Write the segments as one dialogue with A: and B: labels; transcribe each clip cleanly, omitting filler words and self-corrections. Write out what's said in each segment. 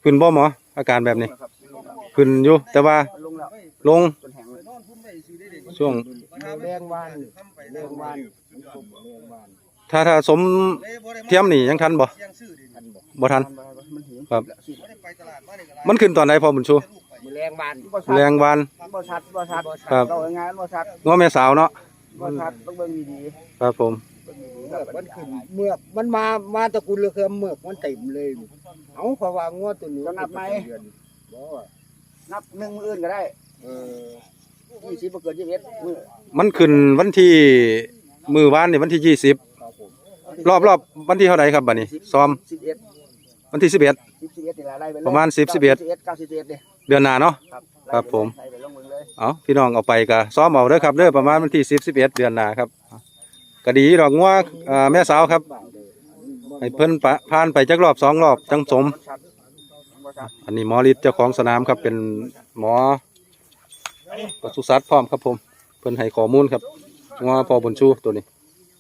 A: ขึ้นบ่หมออาการแบบนี้ขึ้นอยู่แต่ว่าลงช่วง
B: แรงวาน
A: ถ้าสมเทียมนี่ยังทันบ่ทันครับมันขึ้นตอนไหนพอบุญชู
B: แรงวานบ่ชัด
A: ครับ
B: เรางานบ่ชัด
A: ง้อแม่สาวเนาะ
B: บ่ชัดต้องเบิ่งดี
A: ๆครับผม
B: มันขึ้นเมือกมันมาตระกูลเรือเมือกมันเต็มเลยเอาเพราะว่างวดตัวนี้นับไหมนับ1มื้ออื่นก็ได้20บ่เกิน21มื้อ
A: มันขึ้นวันที่มื้อวานนี่วันที่20รอบวันที่เท่าไหร่ครับบัดนี้ซ้อม
B: 11
A: วันที่11
B: นี่ล่ะได้ไป
A: ประมาณ10 11เดือนหน้าเนาะครับผมเอาพี่น้องเอาไปก็ซ้อมเอาเด้อครับเด้อประมาณวันที่10 11เดือนหน้าครับก็ดีดอกงัวแม่สาวครับให้เพิ่นผ่านไปจักรอบ2รอบจังสมอันนี้หมอฤทธิ์เจ้าของสนามครับเป็นหมอปศุสัตว์พร้อมครับผมเพิ่นให้ข้อมูลครับงัวพอบุญชูตัวนี้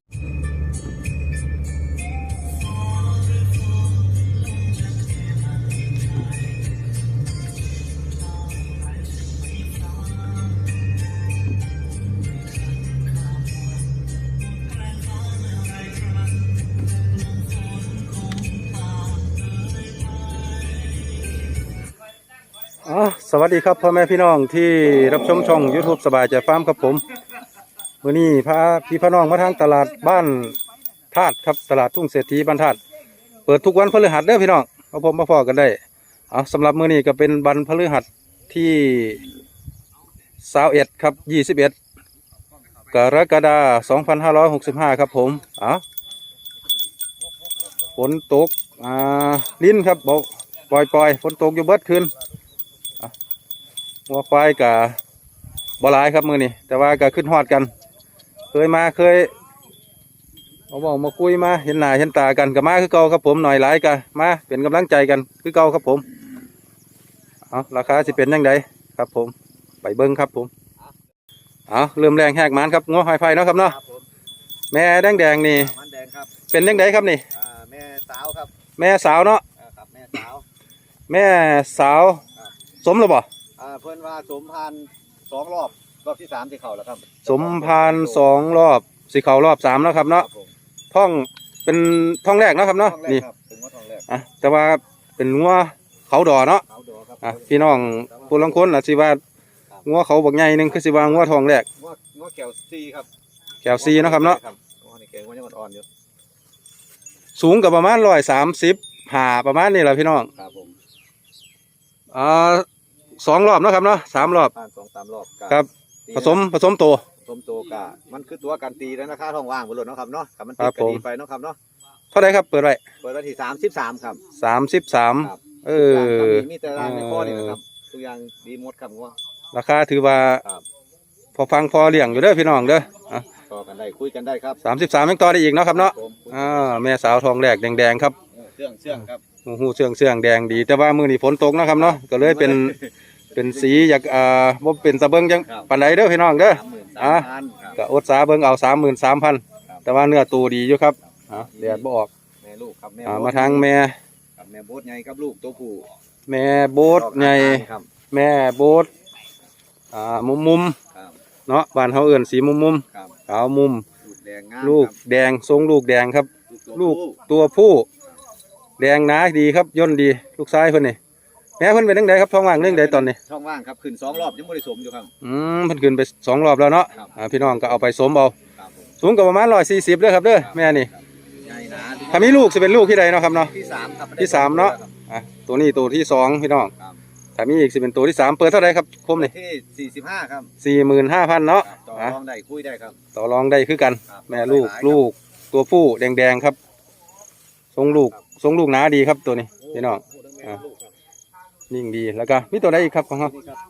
A: สวัสดีครับพ่อแม่พี่น้องที่รับชมช่อง YouTube สบายใจฟาร์มครับผมวันนี้พาพี่พี่น้องมาทางตลาดบ้านธาตุครับตลาดทุ่งเศรษฐีบ้านธาตุเปิดทุกวันพฤหัสเด้อพี่น้องมาพบมาพอกันได้สำหรับมื้อนี้ก็เป็นวันพฤหัสที่21ครับ21กรกฎาคม2565ครับผมฝนตกลิ้นครับบอกปล่อยฝนตกอยู่เบิดคืนวัวควายกับบ่หลายครับมือนี่แต่ว่าก็ขึ้นฮอดกันเคยบอกมาคุยมาเห็นหน้าเห็นตากันกับมาคือเก่าครับผมหน่อยหลายกันมาเป็นกำลังใจกันคือเก่าครับผมราคาสิเป็นยังไงครับผมไปเบิ้งครับผมเริ่มแรงแหกมันครับงัวหอยไฟเนาะครับเนาะแม่แดงนี่เป็นยังไงครับนี่
B: แม่สาวครับ
A: แม่สาวเนาะแม่สาวสมหรือเปล่า
B: เพิ่นว่าสมพัน2 รอบที่3ที่เข่าแล้วครับ
A: สมพัน2 รอบสิเข่ารอบ3แล้วครับเนาะท้องเป็นท้องแรกนะครับเนาะนี่แต่ว่าเป็นงัวเขาดอเนาะพี่น้องผู้ลังคนสิว่างัวเขาบักใหญ่นึงคือสิว่างัวทองแรก
B: งัวแก้วซีครับ
A: แก้วซีนะครับเนาะ
B: นี่แก้วงัวยังอ่อนอยู่
A: สูงกับประมาณ130ประมาณนี้แหละพี่น้อง
B: ครับผม
A: 2 รอบนะครับเนาะ3 รอบ
B: 2-3 รอบ
A: ครับผสมโต
B: กะมันคือตัวการตีแล้วนะค่าท้องว่างบนรถเนาะครับเนาะกับมันติดกันดีไปเนาะครับเนาะ
A: เท่าไหร่ครับเปิดไว้
B: ที่33ครับ
A: 33
B: มีแต่ร้านในข้อนี่นะครับทุกอย่างดีหมดครับว่า
A: ราคาถือว่าพอฟังพอเลี้ยงอยู่เด้อพี่น้องเด้อ
B: ต่อกันได้คุยกันได้ครับ
A: 33ยังต่อได้อีกเนาะครับเนาะแม่สาวทองแรกแดงครับ
B: เชื่องครับ
A: หูเชื่องแดงดีแต่ว่ามื้อนี้ฝนตกนะครับเนาะก็เลยเป็นสีอยากบ่เป็นตะเบิงจังปานใดเด้อพี่น้องเด้อก็อดสาเบิ่งเอา 33,000 แต่ว่าเนื้อตูดีอยู่ครับแดดบ่ออก
B: แม่ลูกครับ
A: มาทางแม่
B: โบ๊ทใหญ่กับลูกตัวผู้
A: แม่โบ๊ทใหญ่แม่โบ๊ทมุมเนาะบ้านเฮาเอิ้นสีมุมขาวมุมลูกแดงทรงลูกแดงครับลูกตัวผู้แดงหนาดีครับย่นดีลูกชายเพิ่นนี่แม่เพิ่นเป็นจังไดครับท้องว่างเรื่องใดตอนนี้
B: ท้องว่างครับขึ้น2 รอบยังบ่ได้สมอยู่ครับ
A: เพิ่นขึ้นไป2 รอบแล้วเนาะพี่น้องก็เอาไปสมเอาสูงก็ประมาณ140เด้อครับเด้อแม่นี่ถ้ามีลูกสิเป็นลูกที่ใดเนาะครับเนาะที่3เนาะตัวนี้ตัวที่2พี่น้องถ้ามีอีกสิเป็นตัวที่3เปิดเท่าไหร่ครับผมนี่
B: ที่45ครับ
A: 45,000เนาะ
B: ต่อรองได้คุยได้ครับ
A: ต่อรองได้คือกันแม่ลูกตัวผู้แดงครับทรงลูกหนาดีครับตัวนี้พี่น้องนิ่งดีแล้วก็มีตัวใดอีกครับของเขา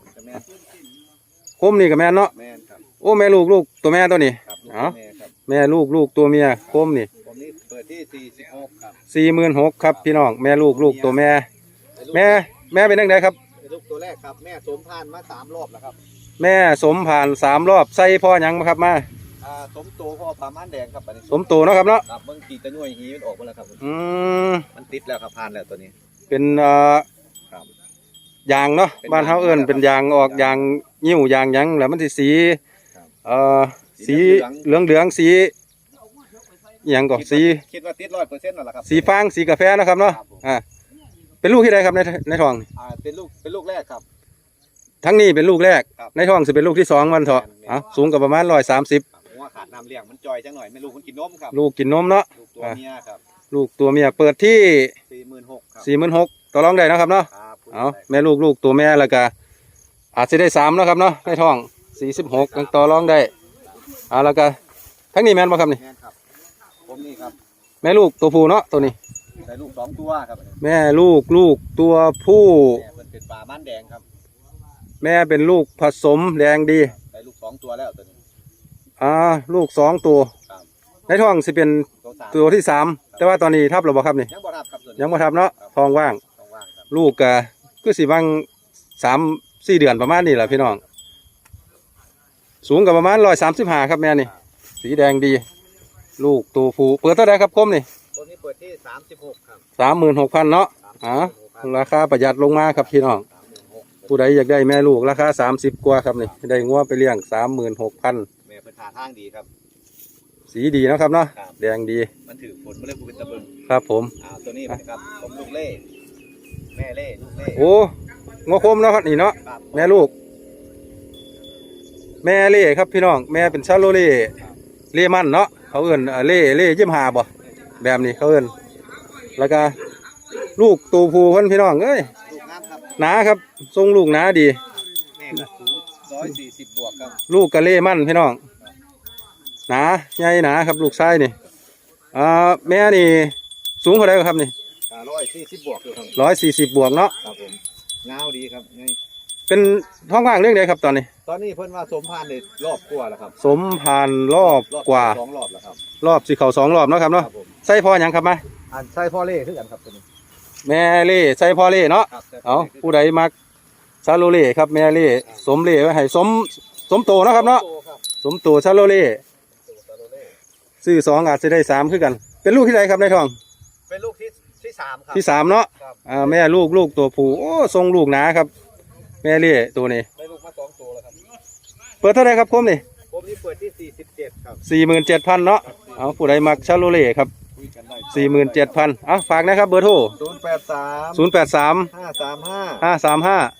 A: คมนี่กับแม่เนาะโอ้แม่ลูกตัวแม่ตัวนี้แม่ลูกตัวเมียคมนี่
B: เปิดที่46ครับ
A: 46,000ครับพี่น้องแม่ลูกตัวแม่เป็นยังไงครับ
B: ลูกตัวแรกครับแม่สมผ่านมา3 รอบแล้วครับ
A: แม่สมผ่าน3 รอบใส่พ่อยังมาครับมา
B: สมโตพ่อปลาม้านแดงครับ
A: สมโตเนาะครับเนาะ
B: บางทีตะนุ่ยหีมันออกมาแล้วครับมันติดแล้วครับผ่านแล้วตัวนี้
A: เป็นยางเนาะบ้านเฮาเอิ้นเป็นยางออกยางยิ้วยางหยังแล้วมันสิสีสีเหลืองสีอหยังก็สี
C: คิดว่าติด100%นั่นแหละครับ
A: สีฟางสีกาแฟนะครับเนาะเป็นลูกที่ใดครับในท้อง
C: เป็นลูกแรกครับ
A: ทั้งนี้เป็นลูกแรกในท้องสิเป็นลูกที่2มันเถาะสูงกับประมาณ130
C: หัวขาดน้ำเลี้ยงมันจอยจังหน่อยไม่ลูกมันกินนมครับ
A: ลูกกินนมเนาะ
C: ลูกตัวเมียครับ
A: ลูกตัวเมียเปิดที่
C: 46,000 ครับ
A: 46,000ต่อรองได้นะครับเนาะแม่ลูกตัวแม่แล้วก็อาจจะได้3นะครับเนาะในท้อง46ยังต่อรองได้แล้วก็ทั้งนี้แม่นบ่ครับนี่
C: แม่นครับผมนี่ครับ
A: แม่ลูกตัวผู้เนาะตัวนี้
C: ได้ลูก2ตัวครับ
A: แม่ลูกตัวผู้
C: แม่เป็นปลาม่านแดงครับ
A: แม่เป็นลูกผสมแดงดี
C: ได้ลูก2ตัวแล้วตัวนี้
A: ลูก2ตัวในท้องสิเป็นตัวที่3แต่ว่าตอนนี้ทับหรือบ่ครับนี่
C: ยังบ่ทับครับ
A: ยังบ่ทับเนาะท้องว่างลูกก็คือสิว่าง3-4 เดือนประมาณนี้แหละพี่น้องสูงกับประมาณ135ครับแม่นี่สีแดงดีลูกตัวผู้เปิดเท่าไหร่ครับคมนี่
C: ตัวนี้เปิดที่36ครับ
A: 36,000เนาะราคาประหยัดลงมาครับพี่น้องผู้ใดอยากได้แม่ลูกราคา30กว่าครับนี่ได้งัวไปเลี้ยง36,000
C: แม่เป็นทาทางดีครับ
A: สีดีนะครับเนาะแดงดี
C: มันถือผลมาเลยผู้เป็นตะเบิง
A: ครับผม
C: ตัวนี้นะครับผมลูกเล่แม่เล่ลูกเล่
A: โอ้งัวคมเนาะนี่เนาะแม่ลูกแม่เล่ครับพี่น้องแม่เป็นชาโลเล่เล่มันเนาะเขาเอิ้นเล่ยิ้มหาบ่แบบนี้เขาเอิ้นแล้วก็ลูกตัวผู้เพิ่นพี่น้องเอ้ยหนาครับทรงลูกหนาดี
C: แม่ก็สูง140บวกครับ
A: ลูกกะเล่มันพี่น้องหนาใหญ่หนาครับลูกชายนี่แม่นี่สูงเท่าไหร่ครับนี่
C: 140บวกอยู่ครับ
A: 140บวกเนาะ
C: ครับผมเงาดีครับ
A: เป็นท้องว่างเรื่องใดครับตอนนี้
C: เพิ่นว่าสมพานในรอบกว่าแล้วครับ
A: สมพานรอบกว่า
C: 2 รอบแล้วครับ
A: รอบสิเข้า2 รอบเนาะครับเนาะใส่พ่อหยังครับมา
C: ใส่พ่อเล่คือกันครับตัวนี้
A: แม่เล่ใส่พ่อเล่เนาะเอาผู้ใดมักซาโลเล่ครับแม่เล่สมเล่ไว้ให้สมโตเนาะครับเนาะสมโตซาโลเล่ซื้อ2อาจจะได้3คือกันเป็นลูกที่ใดครับในท้อง
C: เป็นลูกที่3ครับ
A: ที่3เนาะแม่ลูกตัวผู้โอ้ทรงลูกหนาครับแม่เล่ตัวนี้
C: ได้ลูกมา2ตัวแล้วครับ
A: เปิดเท่าไหร่ครับคมนี่
C: คมนี่เปิดที่47ครับ
A: 47,000เนาะเอาผู้ใดมักชาโลเล่ครับ47,000ฝากนะครับเบอร์โทร083 535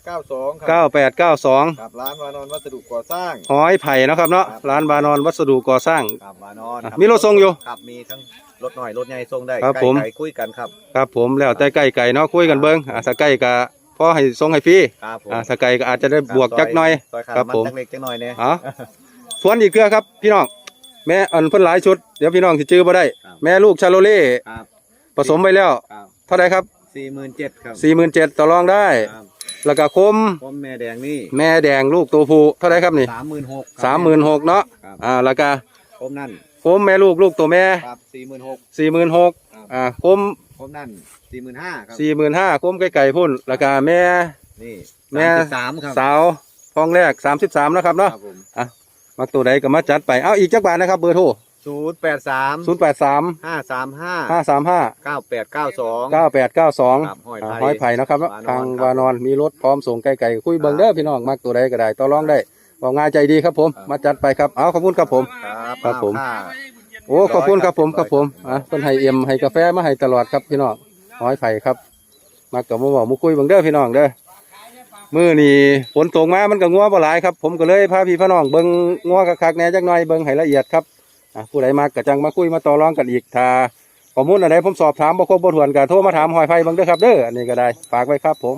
A: 9892
C: ครับร้านวานอนวัสดุก่อสร้าง
A: หอยไผ่นะครับเนาะร้านวานอนวัสดุก่อสร้าง
C: ครับวานอน
A: มีรถส่งอยู่
C: ครับมีทั้งรถหน่อยรถใหญ่ส่งได้
A: ครับผม
C: คุยกันครับ
A: ครับผมแล้วแต่ไก่เนาะคุยกันเบิ้งถ้าไก่ก็พอให้ส่งให้ฟรีถ้าไก่ก็อาจจะได้บวกจักหน่อย
C: ครับผมจักเล็กจักหน่อยเนี่ย
A: ทวนอีกเกลือครับพี่น้องแม่อันเพิ่นหลายชุดเดี๋ยวพี่น้องสิจื้อบ่ได้แม่ลูกชาโลเล่ผสมไปแล้วเท่าไหร่ครับ
C: 47,000ครับ
A: 47,000ต่อรองได้แล้วก็คม
C: แม่แดงนี่
A: แม่แดงลูกตัวผู้เท่าไหร่ครับนี่
C: 36,000
A: เนาะแล้วก็
C: คมนั่น
A: คมแม่ลูกตัวแม่
C: ครับ
A: 46,000คม
C: นั่น45,000ครับ
A: 45,000คมไก่พุ่นแล้วก็แม่
C: นี่
A: แม่
C: 33ครับ
A: สาวท้องแรก33นะครับเนาะมักตัวใดก็มาจัดไปอีกจักบาทนะครับเบอร์โทร
C: 083 535 9892
A: หอยไผ่นะครับทางวานอนมีรถพร้อมส่งไก่คุยเบิ่งเด้อพี่น้องมักตัวใดก็ได้ต่อรองได้บอกง่ายใจดีครับผมมาจัดไปครับขอบคุณครับผมครับผมโอ้ขอบคุณครับผมเพิ่นให้เอ็มให้กาแฟมาให้ตลอดครับพี่น้องหอยไผ่ครับมากับมาบอกมาคุยเบิ่งเด้อพี่น้องเด้อมื้อนี้ฝนตกมามันก็งัวบ่หลายครับผมก็เลยพาพี่น้องเบิ่งงัวคักๆแหน่จักหน่อยเบิ่งให้ละเอียดครับผู้ใดมากก็จังมาคุยมาต่อรองกันอีกถ้าข้อมูลอะไรผมสอบถามบ่ครบบ่ถ้วนก็โทรมาถามหอยไผ่เบิ่งเด้อครับเด้ออันนี้ก็ได้ฝากไว้ครับผม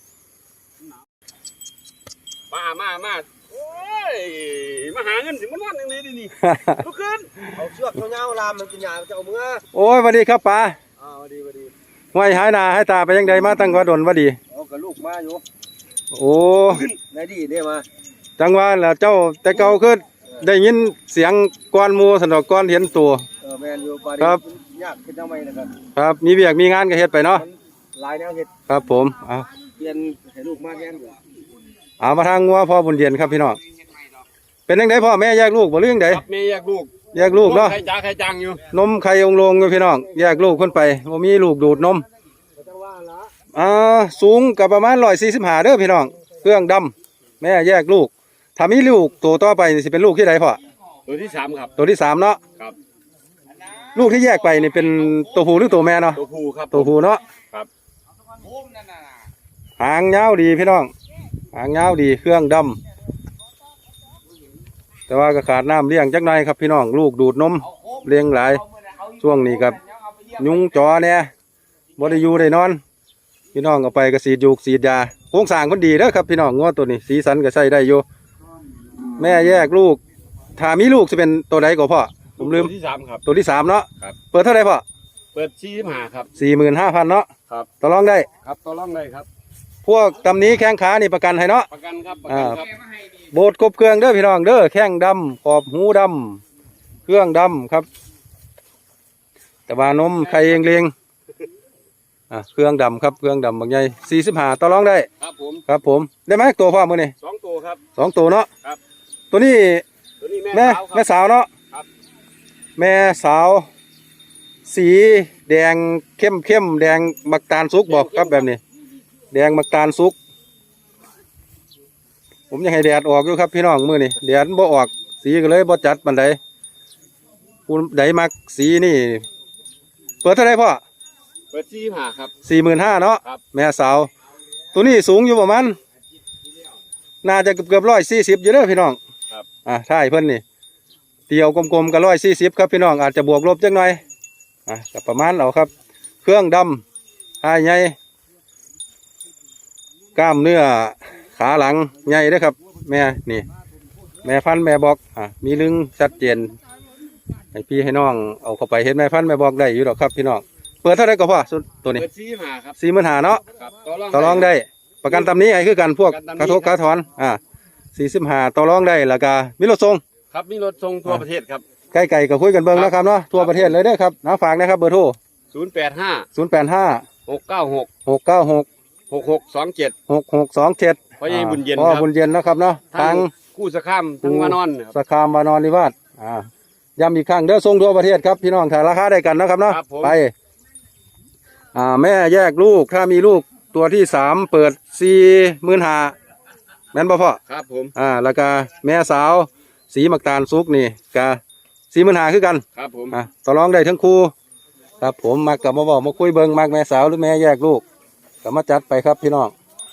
C: มาโอ้ยมาหาเงินสิมันวันอย่างนี้ดินี่ลุกขึ้นเอาเชือกเงาๆลามมันกินหญ้าจะเอามือ
A: โอ้ยสวัสดีครับป้า
C: สวัสดี
A: ห้วยหายหน้าให้ตาไปยังใดมาตั้งว่าดนว่าดี
C: กับลูกมาอยู่
A: โอ้
C: ได้ดีได้มา
A: จังว่าแล้วเจ้าแต่เก่าคือได้ยินเสียงก้อนมูสนอกก้อนเห็นตัว
C: แมนอยู่
A: ครับ
C: ยากขึ้นทำไมนะครับ
A: ครับมีเบียกมีงานก็เฮ็ดไปเนาะ
C: หลายแนวเฮ็ด
A: ครับผม
C: เรียนให้ลูกมาแย่งอยู่
A: มาทางงัวพ่อบุญเย็นครับพี่น้องเป็นยังไงพ่อแม่แยกลูกบ่เรื่องใด
C: แม่แยกลูก
A: เนาะ
C: ไข่จังอยู่
A: นมไข่องลงอยู่พี่น้องแยกลูกคนไปบ่มีลูกดูดนมสูงกับประมาณ145เด้อพี่น้องเครื่องดำแม่แยกลูกถ้ามีลูกตัวต่อไปนี่สิเป็นลูกที่ใดพ่อ
C: ตัวที่สามครับ
A: ตัวที่3เนาะ
C: ครับ
A: ลูกที่แยกไปนี่เป็นตัวผู้หรือตัวแม่เนาะ
C: ตัวผู้ครับ
A: ตัวผู้เนาะ
C: ครับ
A: หางยาวดีพี่น้องหางยาวดีเครื่องดำแต่ว่าก็ขาดน้ำเลี้ยงจักหน่อยครับพี่น้องลูกดูดนมเลี้ยงหลายช่วงนี้ครับยุงจอเนี่ยบ่ได้อยู่ได้นอนพี่น้องเอาไปก็สีดยูกสีดยาโครงสร้างมันดีเด้อครับพี่น้องงัวตัวนี้สีสันก็ใช้ได้อยู่แม่แยกลูกถ้ามีลูกจะเป็นตัวใดก็พ่อผมลืม
C: ตัวที่สามครับ
A: ตัวที่3เนาะ
C: ครับ
A: เปิดเท่าไหร่พ่อ
C: เปิด45ครับ
A: 45,000เนาะ
C: ครับ
A: ต่อรองได้
C: ครับต่อรองได้ครับ
A: พวกตำหนี้แข้งขานี่ประกันให้เนาะ
C: ประกันครับประกันครับ
A: โบดครบเครื่องเด้อพี่น้องเด้อแข้งดำขอบหูดำเครื่องดำครับ แต่ว่านมไข่เองเลียงเครื่องดำครับเครื่องดำบางใหญ่45ต่อรองได้
C: ครับผม
A: ครับผมได้ไหมตัวพ่อมือนี่
C: 2ตัวครับ
A: 2ตัวเนาะ
C: ครับ
A: ตัวนี้
C: ตัวนี้
A: แม่
C: แม่สาวครับ
A: แม่สาวเนาะ
C: ครับ
A: แม่สาว สีแดงเข้มแดงมักตาลสุกบอกครับแบบนี้ แดงมักตาลสุก ผมยังให้แดดออกอยู่ครับพี่น้องมือนี่แดดบ่ออกสีก็เลยบ่จัดปานใดผู้ใดมักสีนี่เปิดเท่าไรพ่อ
C: เปิด45ครับ
A: 45,000เนาะ
C: ครับ
A: แม่สาว ตัวนี้สูงอยู่ประมาณน่าจะเกือบ140อยู่เด้อพี่น้อง
C: ครับ
A: ถ้าให้เพิ่นนี่เตียวกลมๆก็140ครับพี่น้องอาจจะบวกลบจักหน่อยก็ประมาณเอาครับ เครื่องดำท้ายใหญ่กล้ามเนื้อขาหลังใหญ่เด้อครับ แม่นี่ แม่พันธุ์แม่บอกมีลึงชัดเจนให้พี่ให้น้องเอาเข้าไปเห็นแม่พันธุ์แม่บอกได้อยู่หรอกครับพี่น้องเปิดเท่าไรก็พอสุดตัวนี้
C: เปิด45ครับ
A: 45,000เนาะ
C: ครับ
A: ต่อรองได้ประกันตำนี้ไอ้คือกันพวก
C: ประกัน
A: กระ
C: ตำหนิ
A: ทบกระถอน45ต่อรองได้แล้วก็มีรถส่ง
C: ครับมีรถส่งทั่วประเทศครับ
A: ใกล้ๆก็คุยกันเบิ่งนะครับเนาะทั่วประเทศเลยเด้อครับฝากนะครับเบอร์โทร
C: 085
A: 085
C: 696
A: 696
C: 6627
A: 6627
C: พ่อใหญ่บุญเย็น
A: พ่อ
C: ครับ
A: บุญเย็นนะครับเนาะทาง
C: กู้สะข้ามทั้งวานอนครับ
A: สคามวานอนนิวาสย้ำอีกครั้งเด้อส่งทั่วประเทศครับพี่น้องถ้าราคาได้กันนะครับเนาะ
C: ครับผม
A: ไปแม่แยกลูกถ้ามีลูกตัวที่3เปิด45,000แม่นบ่พ่อ
C: ครับผม
A: แล้วก็แม่สาวสีมักตาลสุกนี่ก็45,000คือกัน
C: ครับผม
A: ต่อรองได้ทั้งคู่ครับผมมักกับมาบอกมาคุยเบิ่งมักแม่สาวหรือแม่แยกลูกก็มาจัดไปครับพี่น้อง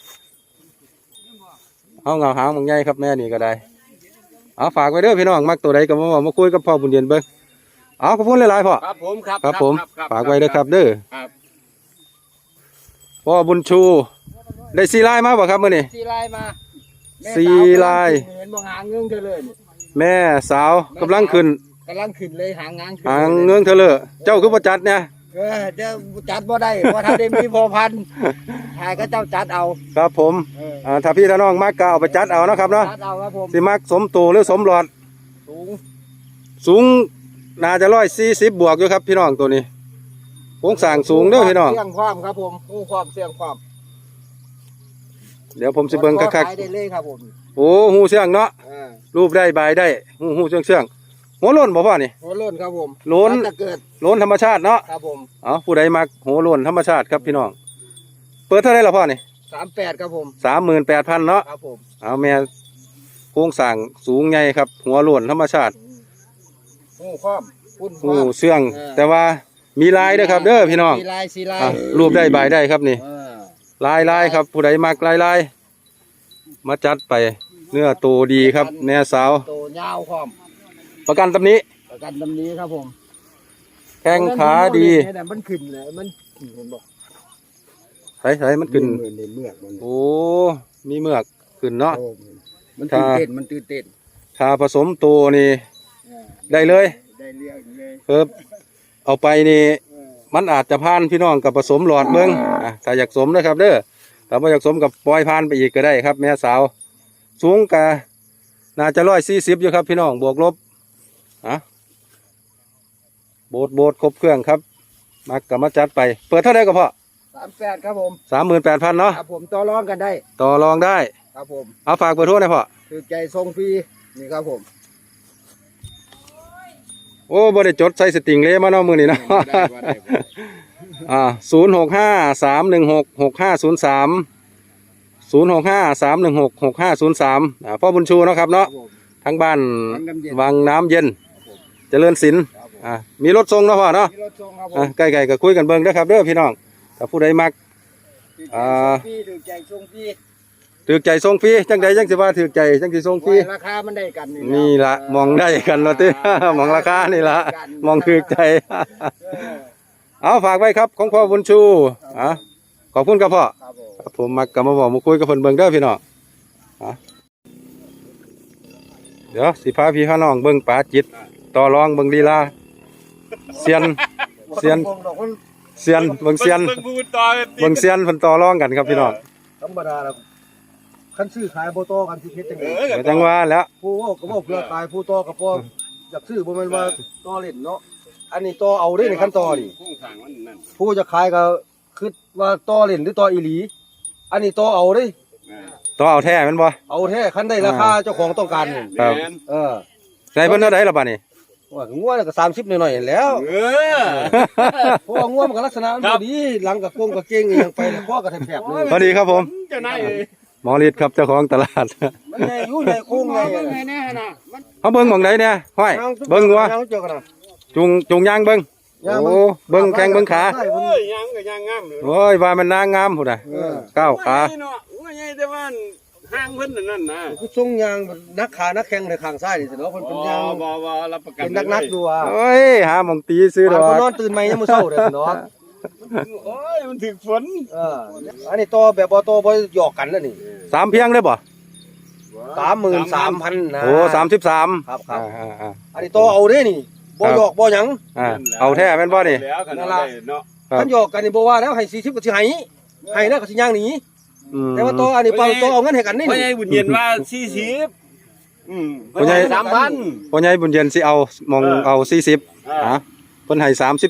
A: เอาเงาหางมึงใหญ่ครับแม่นี่ก็ได้เอาฝากไว้เด้อพี่น้องมักตัวใดก็มาบอกมาคุยกับพ่อบุญเย็นเบิ่งเอาขอบคุณหลายๆพ่อ
C: ครับผมครับ
A: ครับผมฝากไว้เด้อครับเด้อ
C: ครับ
A: พ่อบุญชูได้สีลายมาบ่ครับมื้อนี้
B: สีลายมาแม่
A: สีลาย
B: เห็นบ่หางเงื้องเธอเลยนี่
A: แม่สาวกำลังขึ้น
B: กำลังขึ้นเลยหางงางขึ้น
A: หางเงื้องเธอเลยเจ้าคือบ่จัดเนี่ย
B: เดี๋ยวจัดบ่ได้เพราะถ้าได้มีพอพันธุ์หายก็เจ้าจัดเอา
A: ครับผม ถ้าพี่ถ้าน้องมักก็เอาไปจัดเอานะครับเนาะ
B: จัดเอาครับผม
A: สิมักสมตูหรือสมหลอด
B: สูง
A: สูงน่าจะ140บวกอยู่ครับพี่น้องตัวนี้โครงสร้างสูงเด้อพี่น้อง
B: เสี่ยงความครับผมงูความเสี่ยงความ
A: เดี๋ยวผมสิเบิ่งคัก
B: ขายได้เลยครับผม
A: ๆโอ้หูเสื่องเนาะ
B: อ่า
A: รูปได้ใบได้หูเสื่องหัวโล้นบ่พ่อนี่
B: หัวโล้นครับผม
A: โล้น
B: มัจะเกิด
A: โล้นธรรมชาติเนาะ
B: ครับผม
A: ผู้ใดมักหัวโล้นธรรมชาติครับพี่น้องเปิดเท่าไหร่ล่ะพ่อนี่
B: 38ครับผม
A: 38,000เนาะ
B: ครับผม
A: แม่โครงสร้างสูงใหญ่ครับหัวโล้นธรรมชาติ
B: งูความพุ่นค
A: หู
B: วาม
A: เสื่องแต่ว่ามีลายเด้อครับเด้อพี่น้อง
B: สีลาย
A: รูปได้ใบได้ครับนี่
B: เออ
A: ลายครับผู้ใดมักลายมาจัดไปเนื้อโตดีครับแม่สาว
B: โตยาวความ
A: ประกันตำนี้
B: ประกันตำนี้ครับผม
A: แข้งขาดี
B: เนี่ยมันขึ้นเลยมันเห็นบอก
A: ใส่มันขึ้น
B: ในเมือกมัน
A: โอ้มีเมือกขึ้นเนาะ
B: โอ้มันตื่นเต้นมันตื่นเต้น
A: ถ้าผสมโตนี่ได้เลย
B: ได้เรียกเลย
A: เอาไปนี่มันอาจจะพานพี่น้องกับผสมหลอดเบิ้งถ้าอยากสมนะครับเด้อถ้าไม่อยากสมกับปล่อยพานไปอีกก็ได้ครับแม่สาวสูงกะน่าจะ140อยู่ครับพี่น้องบวกลบโบดครบเครื่องครับมักกับมาจัดไปเปิดเท่าไหร่ก็พอ
B: 38ครับผม
A: 38,000เนาะ
B: ครับผมต่อรองกันได้
A: ต่อรองได้
B: ครับผม
A: เอาฝากเบอร์โทรหน่อยพ่อ
B: คือใจทรงฟรีนี่ครับผม
A: โอ้บ่ได้จดใส่สติงเลยมาเนาะมือนี่เนาะ
C: บ่ได้
A: 065-316-6503 พ่อบุญชูเนาะครับเนาะทั้งบ้านวังน้ำเย็นเจริญศิลป์มีรถส่งเนาะพ่อเนาะ
B: มีรถส่งครับผม
A: ใกล้ๆก็คุยกันเบิ่งเด้อครับเด้อพี่น้องถ้าผู้ใดมัก
B: ถือใจส่งฟรี
A: ถือใจส่งฟรีจังใดจังสิว่าถือใจจังสิส่งฟรี
B: ราคามันได้กัน
A: นี่ละมองได้กันเนาะติ มองราคานี่ละมองถือใจ เอาฝากไว้ครับของพ่อบุญชูขอบคุณครับพ่อ
B: ครับผม
A: ผมมักก็มาบอกมาคุยกับเพิ่นเบิ่งเด้อพี่น้องเดี๋ยวสิพาพี่พาน้องเบิ่งปลาจิตต่อรองเบิ่งลีลาเซียนเซียนเบิ่งเซียน
C: เบิ่งพูดต่อ
A: เบิ่งเซียนเพิ่นต่อรองกันครับพี่น้อง
B: ธรรมดาแล้วคันซื้อขายโบโตกันสิเพชรจังได๋
A: เดี๋ยวจังว่าแล้ว
B: ผู้ว่าก็บ่เพื่อขายผู้โตก็บ่อยากซื้อบ่แม่นว่าต่อเล่นเนาะอันนี้ต่อเอาเด้ในขั้นต่อนี่
C: โครงสร้างมันนั่น
B: ผู้จะขายก็คิดว่าต่อเล่นหรือต่ออีหลีอันนี้ต่อเอาเด้
A: ต่อเอาแท้แม่นบ่
B: เอาแท้คันได้ราคาเจ้าของต้องการนี่
A: ครับ
C: แม่น
A: ใส่เพิ่นเท่าใดล่ะบัดนี้
B: ว่างัวก็30หน่อยๆแล้ว เพราะว่างัวมันก็ลักษณะมันบ่ดีหลังก็โกงก็เก่งอีหยังไปแล้วคอก็แทบๆเลย
A: พอดีครับผม
C: เจ้านาย
A: หมอฤทธิ์ครับเจ้าของตลาด
B: มันใหญ่อยู่ใหญ่โค้งใหญ่
C: แน่น่ะมัน
A: เขาเบิ่งหม่องใดเนี่ยห้อยเบิ่งงัว
B: เจอกันนะ
A: จุงยางเบิ่งโอ้เบิ่งแข้งเบิ่งขา
C: โอ้ยยังก็ยังงามเลย
A: โอ้ยว่ามันนางงามพุ่นน่ะก้าวขา
C: เนาะว่าใหญ่แต่ว่าห่างเพิ่นนั่นนะ
B: คือทรงยางนักขานักแข้งในข้างซ้ายนี่สิเนาะเพิ่นเป็นยาง
C: บ่รับประกัน
B: เป็นนักอยู่อ่ะ
A: โอ้ยหาหม่องตีซื้อด
B: บาง
A: อ
B: คนน
A: ก
B: อนตื่นใหม่ยังมื้อเช้าเด้อเนาะ
C: โอ้ยมันถึกฝน
B: อันนี้ต่อแบบบ่ต่อบ่หยอกกันนั่นนี่
A: สามเพียงได้บ่
B: 33,000นะ
A: โอ้33
B: ครับ
A: อ่า
B: อันนี้ต่อเอาเด้นี่บ่หยอกบ่หยัง
A: เอาแท้แม่นบ่นี่
C: แล้วกันได้เนาะ
A: ครับ
B: คันหยอกกันนี่บ่ว่าแล้วให้40ก็สิให้แล้วก็สิย่างหนี
A: อืม
B: แต่ว่าต่ออันนี้เปล่าต่อเอาเงินให้กันนี่
C: พ่อใหญ่บุญเย็นว่า40พ่อใหญ่3,000
A: พ่อใหญ่บุญเย็นสิเอามองเอา40เพิ่นให้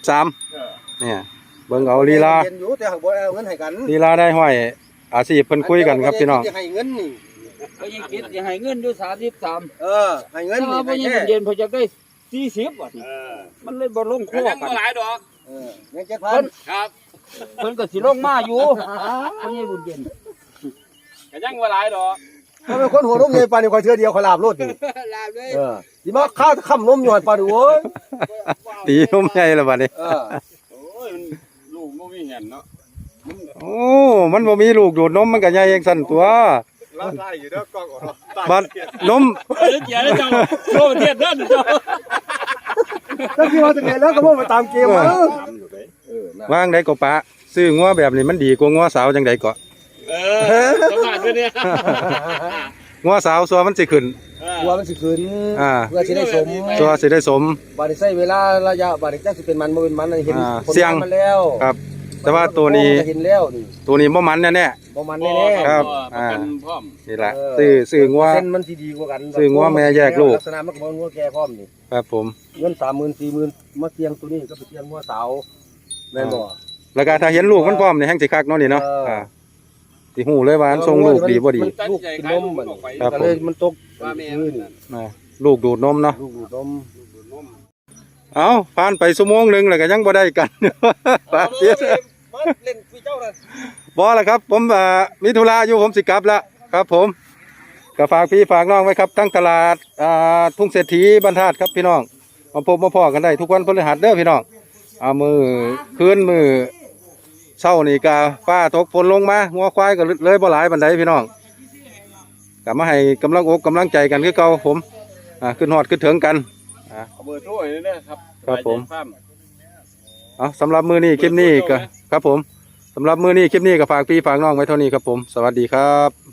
A: 33เนี่ยเบิ่งเอาลีลา
B: เย็นอยู่แต่หักบ่เอาเงินให้กัน
A: ลีลาได้ห้อยอาชีพเพิ่นคุยกันครับพี่น้อง
B: ให้เงินนี่
D: เขายังคิดจะให้เงินอยู่33
B: ให้เงิน
D: ถ้า
B: นี่
D: ว่าบ่ยังเย็นๆเพิ่นจะได้40ว่ะมันเลยบ่ลงค
C: ก็
D: อ
C: ยัง
D: กัน
C: บ่หลายดอก
B: เงิน7,000
C: ครับ
D: เพิ่นก็สิลงมาอยู่เพิ่นยังบุญเย็น
C: ก็ยังบ่หลายดอก
B: ถ้าเป็นคนหัวลงใหญ่ปานนี้ข่อยเทื่อเดียวข่อยลาบโลดนี่
D: ลาบเลย
B: สิมาข้าวค่ำนมอยู่หั่นปานนี้โอ้ย
A: ตีนมใหญ่แล้วบัดนี้
C: โอ้ยลูกบ่มีเห็นเนาะ
A: โอ้มันบ่มีลูกดูดนมมันก็ใหญ่จังซั่นตัว
C: เราได้อยู่เด้อกล้องออก
A: บัดนม
D: เกียร์เจ้าโลประเทศนั่นเจ้า
B: ถ้าสิว่าจังได๋แล้วก็บ่ไปตามเกม
A: วางได้ก็ปะซื้องัวแบบนี้มันดีกว่างัวสาวจังไดก็
C: ประมาณนี้
A: งัวสาวซัวมันสิขึ้น
B: กลัวมันสิขึ้น เพื่อสิได้สม
A: ซัวสิได้สม
B: บัดนี้ใช้เวลาระยะบัดนี้จักสิเป็นมันบ่เป็นมันเห็นผล
A: เสี่ยง
B: มันแล้ว
A: ครับ แต่ว่าตัวนี้
B: เห็นแล้วนี่
A: ตัวนี้บ่มันแน่
B: บ่มันแน่
A: ครับ
C: ประกันพร้อม
A: ๆนี่ล่ะซื้องัว
B: เส้นมันสิดีกว่ากัน
A: ซื้องัวแม่แยกลูก
B: ลักษณะมันก็บ่งัวแก่พร้อมนี่
A: ครับผม
B: เงิน 30,000 40,000มาเสี่ยงตัวนี้ก็ไปเสี่ยงงัวสาวแม่นบ่
A: แล้วก็ถ้าเห็นลูกมันพร้อมนี่แฮงสิคักเนาะนี่เนาะสิฮู้เลยว่ามันทรงลูกดีบ่ดี
B: ลูกกินนมบัดนี้
A: ครับ
B: ก็เลยมันตก
C: ว่าแม่
B: พื้น
A: ลูกดูดนมเนาะ
B: ลูกดูดนม
A: เอาผ่านไปชั่วโมงหนึงแล้วก็ยังบ่ได้กัน ปาเสีย
B: เล่นพี่เจ้าน่ะ
A: บ่ล่ะครับ ผมมีธุระอยู่ผมสิกลับแล้วครับผมก็ฝากพี่ฝากน้องไว้ครับทั้งตลาดทุ่งเศรษฐีบรรทัดครับพี่น้องมาพบมาพ้อกันได้ทุกวันพฤหัสเด้อพี่น้องมือคืนมือเช้านี่ก็ฟ้าตกฝนลงมางัวควายก็เลยบ่หลายปานใดพี่น้องก็มาให้กำลังอกกำลังใจกันคือเก่าผมขึ้นฮอดขึ้นถึงกัน
C: เอาเบอร์โทรให้นะครับ
A: ครับผม สำหรับมือนี้คลิปนี้ก็ครับผมสำหรับมือนี้คลิปนี้ก็ฝากพี่ฝากน้องไว้เท่านี้ครับผมสวัสดีครับ